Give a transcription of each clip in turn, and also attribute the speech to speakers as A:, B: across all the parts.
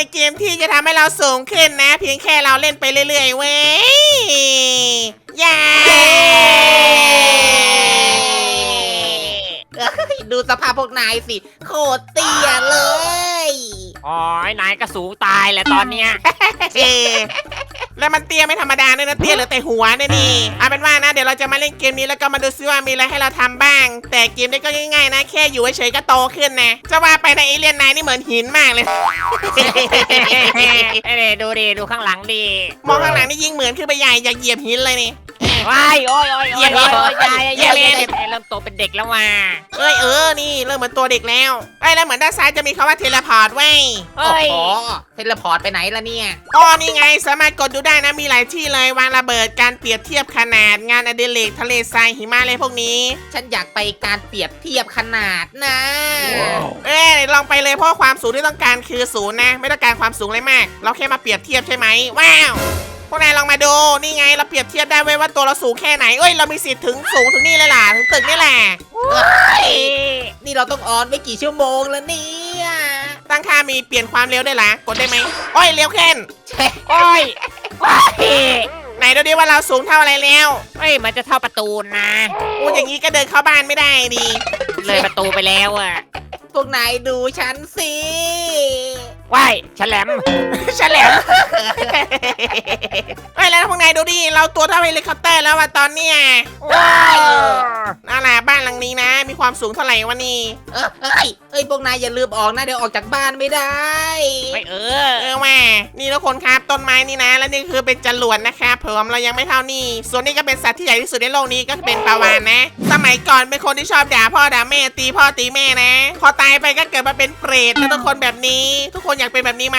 A: เกมที่จะทำให้เราสูงขึ้นนะเพียงแค่เราเล่นไปเรื่อยๆเว้ยย้า
B: ดูสภาพพวกนายสิโคตรเตี้ยเลย
C: อ๋อนายก็สูงตายแหละตอนเนี้ย
A: เอแล้วมันเตี้ยไม่ธรรมดาด้วยนะเตี้ยเหลือแต่หัวเนี่ยนี่เอาเป็นว่านะเดี๋ยวเราจะมาเล่นเกมนี้แล้วก็มาดูซิว่ามีอะไรให้เราทำบ้างแต่เกมนี้ก็ง่ายๆนะแค่อยู่เฉยๆก็โตขึ้นนะจะว่าไปในเอเลี่ยนนายนี่เหมือนหินมากเลย
C: ดูดิดูข้างหลังดิ
A: มองข้างหลังนี่ยิ่งเหมือนขึ้นไปใหญ่อยากเหยียบหินเลยนี่
C: ว้ายโอ้ยโอ้ยโอ้ยโอ้ยโอ้ย
A: เหยียบ
C: เริ่มโตเป็นเด็กแล้วว่ะ
A: นี่เริ่มเหมือนตัวเด็กแล้วแล้วเหมือนด้านซ้ายจะมีคำว่าเทเลพอร์ตไว้
C: เฮ้ย
B: โอ้โหเทเลพอร์ตไปไหนล่ะเนี่ย
A: นี่ไงสามารถกดดูได้นะมีหลายที่เลยวางระเบิดการเปรียบเทียบขนาดงานอดิเรกทะเลทรายหิมะอะไรพวกนี้
B: ฉันอยากไปการเปรียบเทียบขนาดนะ
A: ลองไปเลยเพราะความสูงที่ต้องการคือศูนย์นะไม่ต้องการความสูงอะไรมาก เราแค่มาเปรียบเทียบใช่ไหมว้าวพวกนายลองมาดูนี่ไงเราเปรียบเทียบได้เว้ยว่าตัวเราสูงแค่ไหนเรามีสิทธิ์ถึงสูงถึงนี่เลยล่ะถึงตึกนี่แหละ
B: นี่เราต้องออนไปกี่ชั่วโมงแล้วเนี่ย
A: ตั้งค่ามีเปลี่ยนความเร็วได้ล่ะกดได้ไหมเร็วขึ้น
C: โอ้ยว้าย
A: ไหนดูดิว่าเราสูงเท่าอะไรแล้ว
C: เฮ้ยมันจะเท่าประตูนะ
A: อย่างนี้ก็เดินเข้าบ้านไม่ได้ดี
C: เลยประตูไปแล้วอ่ะ
B: พวกนายดูฉันสิ
C: ว้ายฉลาม
A: ฉลามแล้วพวกนายดูดิเราตัวเท่าเฮลิคอปเตอร์แล้วว่ะตอนเนี้ย
C: ว้าย
A: นั่นแหละบ้านหลังนี้นะ มีความสูงเท่าไหร่วะนี่
B: พวกนายอย่าลืมออกนะเดี๋ยวออกจากบ้านไม่ได้
C: ไม่
A: แม่นี่ทุกคนครับต้นไม้นี่นะ แล้วนี่คือเป็นจรวดนะครับผมเรายังไม่เท่านี่ส่วนนี้ก็เป็นสัตว์ที่ใหญ่ที่สุดในโลกนี้ก็เป็นปลาวาฬนะ สมัยก่อนเป็นคนที่ชอบด่าพ่อด่าแม่ตีพ่อตีแม่นะ พอตายไปก็เกิดมาเป็นเปรตแล้วทุกคนแบบนี้ ทุกคนอยากเป็นแบบนี้ไหม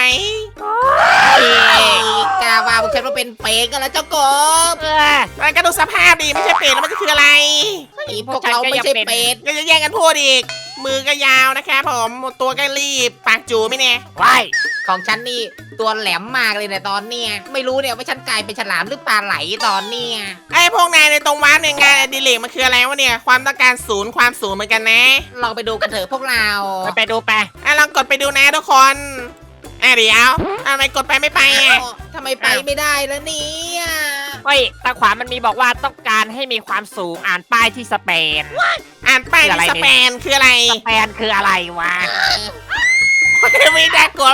B: กาว่าพวกฉันว่าเป็นเปรตกันแล้วเจ้ากบ
A: แล้วก็ดูสภาพดิไม่ใช่เปรตแล้วมันจะคืออะไร
B: พวกเราไม่ใช่เปรต
A: ก็จะแย่งกันพูดอีกมือก็ยาวนะครับผมตัวก็รีบปากจูไม่เนี่ย
C: ว้าย
B: ของฉันนี่ตัวแหลมมากเลยเนี่ยตอนเนี้ยไม่รู้เนี่ยว่าฉันกลายเป็นฉลามหรือปลาไหลตอนเนี้ย
A: พวกนายในตรงว้าร์ปเนี่ยงานอดิเรกมันคืออะไรวะเนี่ยความต้องการศูนย์ความสูงเหมือนกันนะ
B: ลองไปดูกันเถอะพวกเรา
C: ไปดูไป
A: ลองกดไปดูนะทุกคนเดี๋ยวทำไมกดไปไม่ไปอ่ะ
B: ทำไมไปไม่ได้แล้วเนี่ย
C: เฮ้ยตาขวามันมีบอกว่าต้องการให้มีความสูงอ่านป้ายที่สเปน
A: อ่านป้ายที่สเปนคืออะไร
C: สเปนคืออะไรวะ
A: ไม่ได้กลัว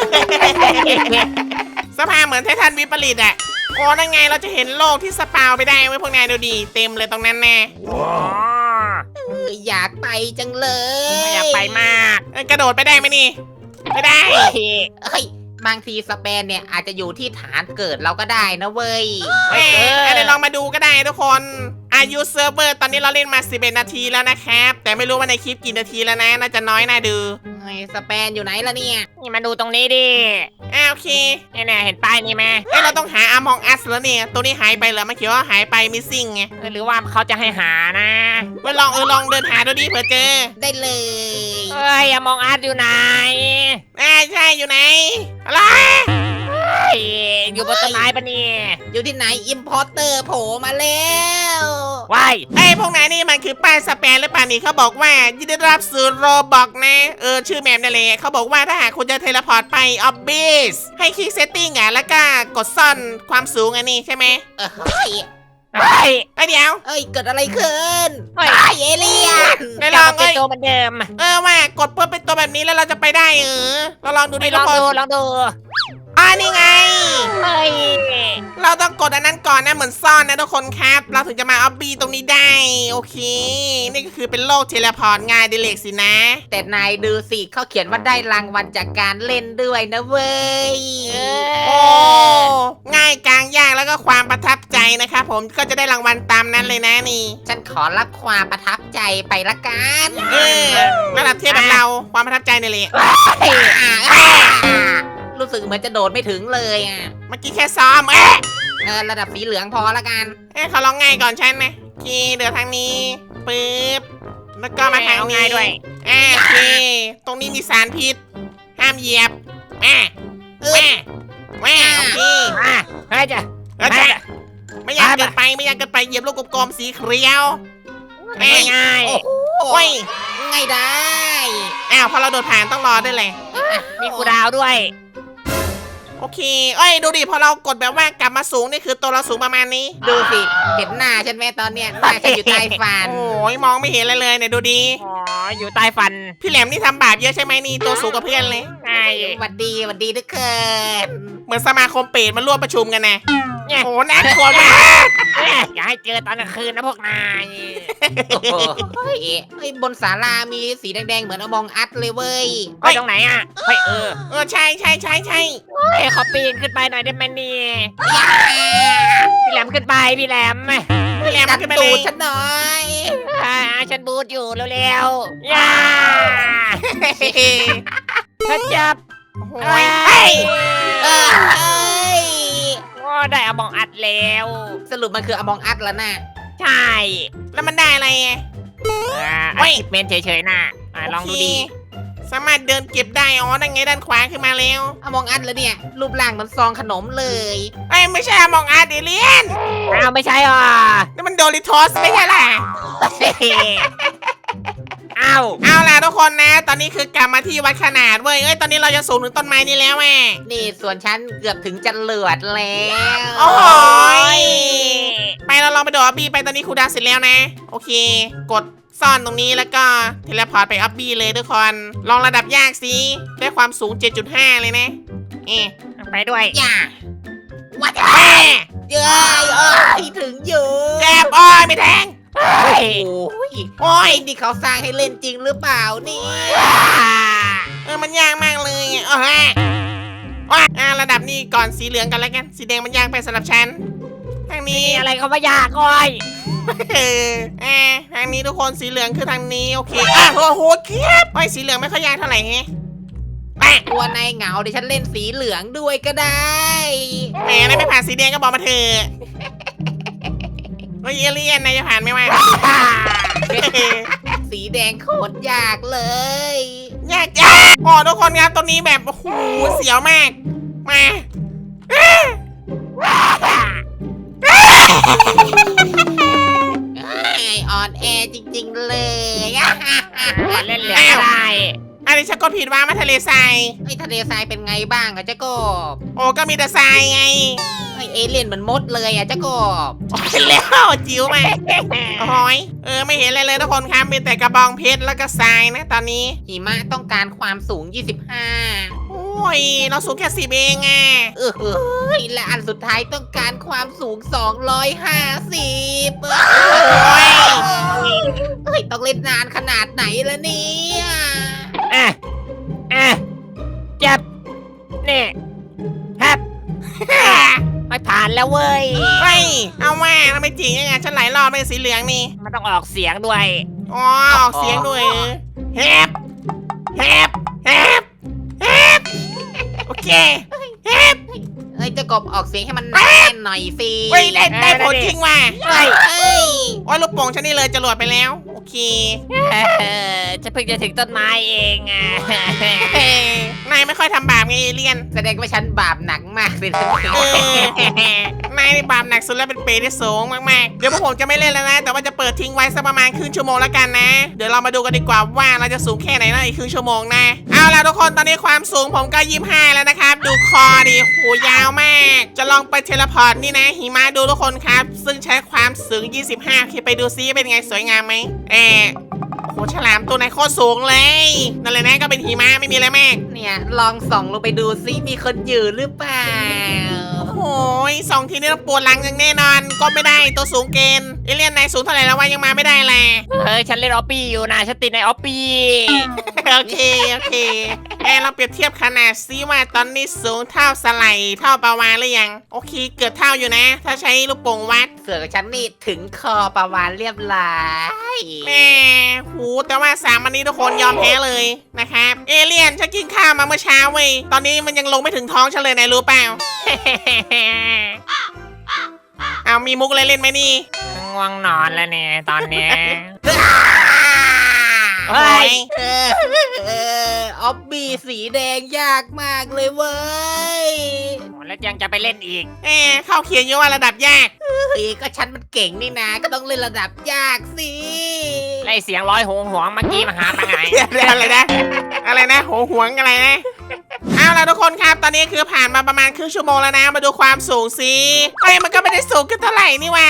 A: สภาพเหมือนไททันวิปริตอ่ะนั่นไงเราจะเห็นโลกที่สปาวไปได้ไว้พวกนายดูดีเต็มเลยตรงนั้นแน่
C: อ๋อ
B: อยากไปจังเลย
C: อยากไปมาก
A: กระโดดไปได้ไหมนี่ไม่ได้
B: เฮ้ยบางทีสเปนเนี่ยอาจจะอยู่ที่ฐานเกิดเราก็ได้นะเว้ย
A: เดี๋ยวลองมาดูก็ได้ทุกคนอายุเซิร์ฟเวอร์ตอนนี้เราเล่นมา11นาทีแล้วนะครับแต่ไม่รู้ว่าในคลิปกี่นาทีแล้วนะน่าจะน้อยน่าดู
B: ไอ้สเปนอยู่ไหนล่ะเนี่ย
C: นี่มาดูตรงนี้ดิ
A: โอเค
C: เนี่ยเห็นป้ายนี้ไหม
A: เราต้องหาอามองอัสแล้วเนี่ยตัวนี้หายไปเหรอมันเขียนว่าหายไปมิสซิ่งไง
C: หรือว่าเขาจะให้หานะ
A: ลองเดินหาดูดิเผื่อเจอ
B: ได้เลย
C: เฮ้ยมองอาร์ตอยู่ไหน
A: ใช่อยู่ไหนอะไร
C: อยู่บนต้นไม้ปะเนี่ย
B: อยู่ที่ไหนอิมพอร์เตอร์โผล่มาแล้ว
C: ว้าย
A: พวกนายนี่มันคือป้ายสแปนหรือเปล่านี่เขาบอกว่ายินดีต้อนรับสู่โรบอกนะชื่อแมปนั่นแหละเขาบอกว่าถ้าหากคุณจะเทเลพอร์ตไปออบบิสให้คลิกเซตติ้งแล้วก็กดซ่อนความสูงอันนี้ใช่ไหม
B: เฮ้ย
C: เฮ้ย
A: เดี๋ยว
B: เกิดอะไรขึ้น
C: เฮ้ย
B: เอเลี่ยน
A: ไม่ลอง
C: เป็นตัวเหมือนเดิม
A: ว่ากดเพื่อเป็นตัวแบบนี้แล้วเราจะไปได้เราลองดูดิ
C: ล
A: ทุ
C: อก ง
A: คน
C: ดูลองดู
A: นี่ไง
C: เฮ้ย
A: เราต้องกดอันนั้นก่อนนะเหมือนซ่อนนะทุกคนครับเราถึงจะมาออบบี้ตรงนี้ได้โอเค นี่ก็คือเป็นโลกเทเลพอร์ตง่ายดิเล็กสินะ
B: แต่นายดูสิเขาเขียนว่าได้รางวัลจากการเล่นด้วยนะเว้ย
A: โอ้ง่ายกลางยากแล้วก็ความประทับใจนะครับผมก็จะได้รางวัลตามนั้นเลยนะนี่
B: ฉันขอรับความประทับใจไปละกัน
A: ระดับเทียบแบบเราความประทับใจนี่แหละ
B: รู้สึกเหมือนจะโดดไม่ถึงเลยอ่ะ
A: เมื่อกี้แค่ซ้อม
B: ระดับสีเหลืองพอละกัน
A: เขาลองง่ายก่อนฉันนะโอเคเดี๋ยวทางนี้ปึ๊บแล้วก็มาทางนี้
C: ง่ายด้วย
A: โอเคตรงนี้มีสารพิษห้ามเหยียบโอเค
C: เฮ้ยจ้ะ
A: ไม่อยากเกินไปเหยียบลูกกลมๆสีเขียว
C: ง่าย
A: โอ้ย
B: ง่ายได้
A: พอเราโดดผ่านต้องรอด้วยเลย
C: มีกูดาวด้วย
A: โอเคเอ้ยดูดิพอเรากดแบบว่ากลับมาสูงนี่คือตัวเราสูงประมาณนี้
B: ดูสิเห็นหน้าฉันไหมตอนเนี้ยหน้าฉันอยู่ใต้ฟัน
A: โอ้ยมองไม่เห็นอะไรเลยเนี่ยดูดิ
C: อ๋ออยู่ใต้ฟัน
A: พี่แหลมนี่ทำบาปเยอะใช่ไหมนี่ตัวสูงกว่าเพื่อนเลย
C: ใช่
B: หวัดดีทุกคน
A: เหมือนสมาคมเปรตมาร่วมประชุมกันนะ
C: เนี่ย
A: โอ้น่ากลัวมาก
C: อย่าให้เจอตอนกลางคืนนะพวกนาย
B: โอ้โหเฮ้ยบนศาลามีสีแดงๆเหมือนอมองอัดเลยเว้ย
C: ไปตรงไหนอ่ะเฮ้ย
A: ใช่
C: เฮ้ยขอปีนขึ้นไปหน่อยได้ไหมเนี่ยพี่แหลมขึ้นไปพี่แหลม
A: พี่แหลม
B: ดัน
A: ขึ้นไป
B: ตู
A: เล
B: ด
A: ย
B: ฉันหน่อย
C: ฉันบูทอยู่เร็วๆย่าถ้าจับ
A: โอ้ยเฮ้ย
B: เอ้ย
C: ก็ได้เอาบองอัดแล้ว
B: สรุปมันคืออมองอัดแล้วนะ
C: ใช่
A: แล้วมันได้อะไรไง
C: อัดคลิปเมนเฉยๆน่ะลองดูดิ
A: โเคสามารถเดินเก็บได้อ๋อนั่นไงด้านขวาขึ้นมาแล้ว
B: อมองอัดแล้วเนี่ยรูปร่างเหมือนซองขนมเลย
A: เอ้ยไม่ใช่มองอาร์ตเอเลียน
C: อ้าวไม่ใช่อ่ะ
A: นี่มันโดริโทสไม่ใช่ล่ะ
C: อ้าว
A: เอาล่ะทุกคนนะ ตอนนี้คือกลับมาที่วัดขนาดเว้ยเอ้ยตอนนี้เราจะสูงถึงต้นไม้นี้แล้วแม่
B: นี่ส่วนฉันเกือบถึงจะเลือดแล้ว
A: โอ้ยไปเราลองไปดูออบบี้ไปตอนนี้ครูดาวเสร็จแล้วนะ โอเค กดซ่อนตรงนี้แล้วก็เทเลพอร์ตไปออบบี้เลยทุกคนลองระดับยากสิได้ความสูง 7.5 เลยนะเอ๊ะ
C: ไปด้วย
B: อย่าวัด
A: แม่
B: เย้ยถึงอยู่
A: แจบอ้อยไม่แทง
C: เฮ้ย
B: โอ้ย
A: โอ้ย
B: ไอ้นี่เขาสร้างให้เล่นจริงหรือเปล่านี่
A: มันยากมากเลยอ่ะอ๋อฮะระดับนี้ก่อนสีเหลืองกันแล้วกัน สีแดงมันยากไปสำหรับฉัน ทางนี้
C: มีอะไรเขามายากก้อย
A: ทางนี้ทุกคนสีเหลืองคือทางนี้โอเคโอ้โหเคียบไอ้ยสีเหลืองไม่ค่อยยากเท่าไหร่แฮะ
B: ตัวนายเหงาเดี๋ยวฉันเล่นสีเหลืองด้วยก็ได้
A: แหมได้ไม่ผ่านสีแดงก็บอกมาเถอะเฮ้ยเอเลี่ยนนายจะผ่านไหมวะ
B: สีแดงโคตรยากเลย
A: ยากโอ้ทุกคนครับตรงนี้แบบโอ้โหเสียวมากมา
B: อ่อนแอจริงๆเลย
C: เล่นเหลืองก็ได้
A: อันนี้ฉันกดผิดว่ามาทะเลทราย
B: ไอ้ทะเลทรายเป็นไงบ้างอะเจ้ากบ
A: โอ้ก็มีแต่ทรายไง
B: ไอ้เอเลี่ยนเหมือนมดเลยอะเจ้ากบ
A: เห็นแล้วจิ๋วมาโอ้ยไม่เห็นอะไรเลยทุกคนครับมีแต่กระบองเพชรแล้วก็ทรายนะตอนนี้
B: หิมะต้องการความสูง 25
A: โอ้ยเราสูงแค่10เองอ่ะ
B: และอันสุดท้ายต้องการความสูง 250
A: โอ้ย
B: เฮ้ยต้องเล่นนานขนาดไหนละเนี่ย
C: จับนี่ครับไม่ผ่านแล้วเว้ย
A: เฮ้ยเอาว่าทำไมจริงยังไงฉันหลายรอบเป็นสีเหลืองนี่
C: มันต้องออกเสียงด้วย
A: อ๋อออกเสียงด้วยแฮบแฮบแฮบแฮบโอเคแฮบ
B: เฮ้ยเจ้ากบออกเสียงให้มันแน่นหน่อยสิ
A: เฮ้ยเล่นได้ผลจริงว่ะ
C: เฮ้ย
B: เอ้ย
A: โอ้ยลูกโป่งฉันนี่เลยจรวดไปแล้วโอเค
C: จะเพิ่งจะถึงต้นไม้เองอ่ะ
A: นายไม่ค่อยทำบาปไงเอเลียน
B: แสดงว่าฉันบาปหนักมากเลยนะ
A: นายนี่บาปหนักสุดแล้วเป็นเปรตที่สูงมากๆ เดี๋ยวพวกผมจะไม่เล่นแล้วนะ แต่ว่าจะเปิดทิ้งไว้สักประมาณครึ่งชั่วโมงแล้วกันนะ เดี๋ยวเรามาดูกันดีกว่าว่าเราจะสูงแค่ไหนนะอีกครึ่งชั่วโมงนะ เอาล่ะทุกคนตอนนี้ความสูงผมก็25แล้วนะครับ ดูคอดิโหยาวมาก จะลองไปเทเลพอร์ตนี่นะหิมะดูทุกคนครับ ซึ่งใช้ความสูง25โอเคไปดูซิเป็นไงสวยงามไหมโหฉลามตัวไหนโคตรสูงเลยนั่นเลยนะก็เป็นหิมะไม่มีอะไรมาก
B: เนี่ยลองส่องลงไปดูซิมีคนอยู่หรือเปล่า
A: โอ้ยสองทีนี้ต้องปวดหลังอย่างแน่นอน ก็ไม่ได้ตัวสูงเกินเอเลียนนายสูงเท่าไหร่แล้ววะยังมาไม่ได้แหละ
C: ฉันเล่นออปปี้อยู่นะฉันติดในออปปี้
A: โอเคเราเปรียบเทียบขนาดซิว่าตอนนี้สูงเท่าสไลด์เท่าปลาวาฬหรือยังโอเคเกือบเท่าอยู่นะ ถ้าใช้ลูกโป่งวัด
B: เสือฉันนี่ถึงคอประวานเรียบร้อย
A: แม่หูแต่ว่า3อันนี้ทุกคนยอมแพ้เลยนะครับเอเลียนฉันกินข้าวมาเมื่อเช้าเว้ยตอนนี้มันยังลงไม่ถึงท้องฉันเลยนายรู้เปล่า เอามีมุกอะไรเล่นไหมนี่
C: ง่วงนอนแล้วเนี่ยตอนเนี้ย
A: เฮ้ย
B: ออบบี้สีแดงยากมากเลยเว้ย
C: แล้วยังจะไปเล่นอีก
A: เข้าเขียนอยู่ว่าระดับยาก
B: เฮ้ยก็ฉันมันเก่งนี่นะก็ต้องเล่นระดับยากสิ
C: ไล่เสียงร้อยหวงเมื่อกี้มาหาตังไง
A: อะไรนะโหหวงอะไรนะเอาล่ะทุกคนครับตอนนี้คือผ่านมาประมาณครึ่งชั่วโมงแล้วนะมาดูความสูงสิเอ้ยมันก็ไม่ได้สูงขึ้นเท่าไหร่นี่หว่า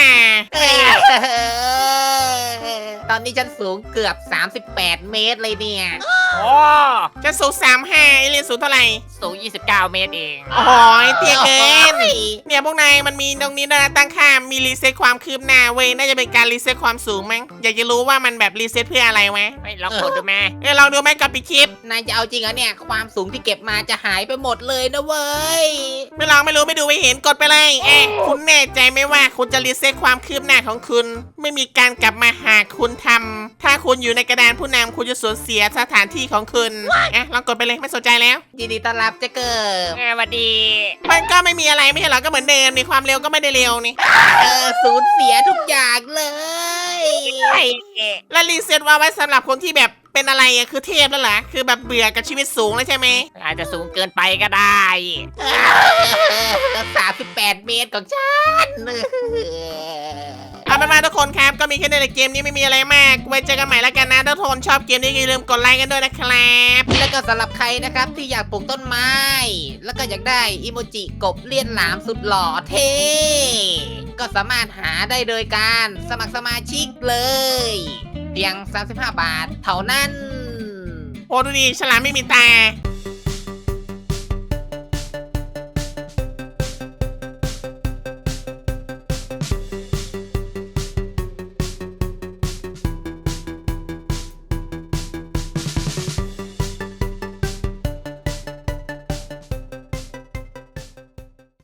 B: ตอนนี้ฉันสูงเกือบ 38 เมตรเลยเนี่ย
C: โอ้
A: จะสูง35ไอเรียนสูงเท่าไหร่
C: สูง29 เมตรเอง
A: โอ้โหเตี้ยเกินเนี่ยพวกนายมันมีตรงนี้ด้วยนะตั้งค่ามีรีเซ็ตความคืบหน้าเว้ยน่าจะเป็นการรีเซ็ตความสูงมั้งอยากจะรู้ว่ามันแบบรีเซ็ตเพื่ออะไรวะ
C: ไม่ลองกดดูแม่
A: ลองดูไหมกับปีคลิป
B: นายจะเอาจริงเหรอเนี่ย ความสูงที่เก็บมาจะหายไปหมดเลยนะเว้ย
A: ไม่ลองไม่รู้ไม่ดูไม่เห็นกดไปเลยคุณแน่ใจไหมว่าคุณจะรีเซ็ตความคืบหน้าของคุณ ไม่มีการกลับมาหากคุณทำถ้าคุณอยู่ในกระดานผู้นำคุณจะสูญเสียสถานที่ของคุณลองกดไปเลยไม่สนใจแล้ว
B: ยินดีต้อนรับเจ๊เกิบ
C: สวัสดี
A: มันก็ไม่มีอะไรไม่ใช่หรอก็เหมือนเดิมนี่ความเร็วก็ไม่ได้เร็วนี่
B: สูญเสียทุกอย่างเลย
C: ไอ้
A: แล้วรีเซ็ตว่าไว้สำหรับคนที่แบบเป็นอะไรคือเทพแล้วเหรอคือแบบเบื่อกับชีวิตสูงแล้วใช่ไหม
C: อาจจะสูงเกินไปก็ได้
B: 38 เมตรของฉัน
A: เอาเป็นว่าทุกคนครับก็มีแค่ในเกมนี้ไม่มีอะไรมากไว้เจอกันใหม่แล้วกันนะถ้าทุกคนชอบเกมนี้อย่าลืมกดไลค์กันด้วยนะครับ
B: แล้วก็สำหรับใครนะครับที่อยากปลูกต้นไม้ แล้วก็อยากได้อิโมจิกบเลี่ยนหลามสุดหล่อเท่ ก็สามารถหาได้โดยการสมัครสมาชิกเลย เพียง 35 บาทเท่านั้น
A: โอ้ดูดิฉลามไม่มีตา